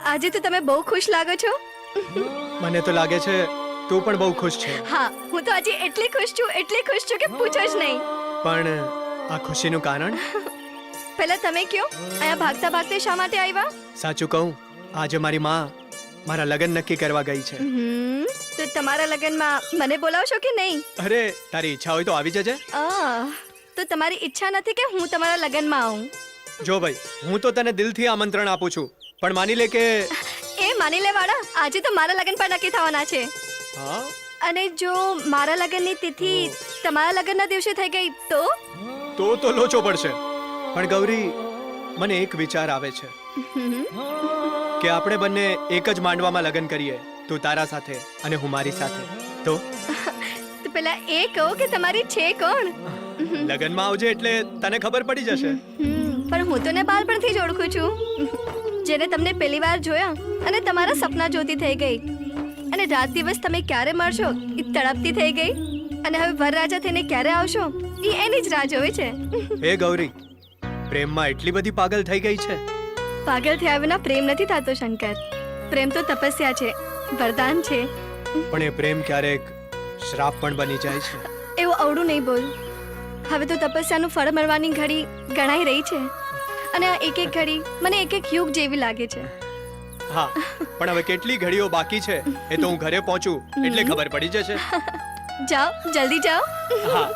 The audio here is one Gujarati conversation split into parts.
આજે તો તમે બહુ ખુશ લાગો છો. મને તો લાગે છે તું પણ બહુ ખુશ છે. હા, હું તો આજે એટલી ખુશ છું કે પૂછો જ નહીં. પણ આ ખુશીનું કારણ? પહેલા તમે કયો, અહીંયા ભાગતા ભાગતા શા માટે આવ્યા? સાચું કહું, આજે મારી માં મારા લગ્ન નક્કી કરવા ગઈ છે. તો તમારા લગ્નમાં મને બોલાવશો કે નહીં? અરે તારી ઈચ્છા હોય તો આવી જજે. તો તમારી ઈચ્છા નથી કે હું તમારા લગ્નમાં આવું? જો ભાઈ, હું તો તને દિલથી આમંત્રણ આપું છું, પણ માની લે કે એ માની લે વાળા, આજે તો મારા લગ્ન પણ નક્કી થવાના છે. હા, અને જો મારા લગ્નની તિથિ તમારા લગ્નના દિવસે થઈ ગઈ તો લોચો પડશે. પણ ગૌરી, મને એક વિચાર આવે છે કે આપણે બંને એક જ માંડવામાં લગ્ન કરીએ, તું તારા સાથે અને હું મારી સાથે. તો પેલા એ કહો કે તમારી છે કોણ? લગ્નમાં આવજે એટલે તને ખબર પડી જશે. પણ હું તો ને બાળપણથી જ ઓળખું છું. જેને તમને પહેલી વાર જોયા અને તમારા સપના જોતી થઈ ગઈ, અને રાત દિવસ તમે ક્યારે મળશો એ તડપતી થઈ ગઈ, અને હવે વરરાજા થઈને ક્યારે આવશો એ એની જ રાહ જોવે છે. હે ગૌરી, પ્રેમમાં એટલી બધી પાગલ થઈ ગઈ છે? પાગલ થયા વિના પ્રેમ નથી થતો શંકર. પ્રેમ તો તપસ્યા છે, વરદાન છે. પણ એ પ્રેમ ક્યારેક શ્રાપ પણ બની જાય છે. એવું અવળું નહીં બોલ. હવે તો તપસ્યાનું ફળ મળવાની ઘડી ગણાઈ રહી છે, અને આ એક એક ઘડી મને એક એક યુગ જેવી લાગે છે. હા, પણ હવે કેટલી ઘડીઓ બાકી છે એ તો હું ઘરે પહોંચું એટલે ખબર પડી જશે. જાઓ, જલ્દી જાઓ. હા.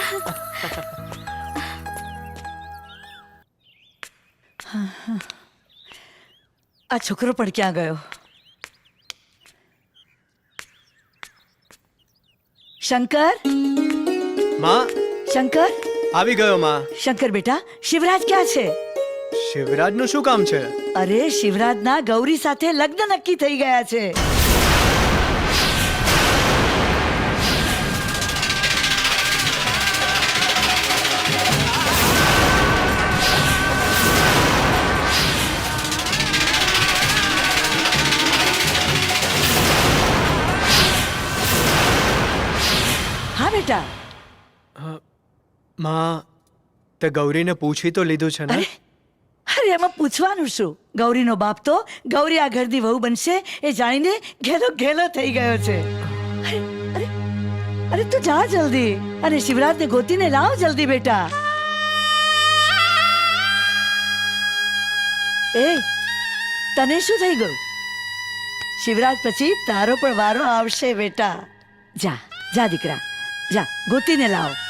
આ છોકરો પણ ક્યાં ગયો? શંકર, માં, શંકર, આવી ગયો માં. શંકર બેટા, શિવરાજ ક્યાં છે? શિવરાજનું શું કામ છે? અરે શિવરાજના ગૌરી સાથે લગ્ન નક્કી થઈ ગયા છે. હા બેટા. માં, તે ગૌરીને પૂછી તો લીધું છે ને? અરે એમાં પૂછવાનું શું? ગૌરીનો બાપ તો ગૌરી આ ઘરની વહુ બનશે એ જાણીને ઘેલો ઘેલો થઈ ગયો છે. અરે અરે અરે તું જા જલ્દી, અને શિવરાજને ગોતીને લાવ જલ્દી બેટા. એ તને શું થઈ ગયું? શિવરાજ પછી તારો પણ વારો આવશે બેટા. જા જા દીકરા, જા ગોતીને લાવ.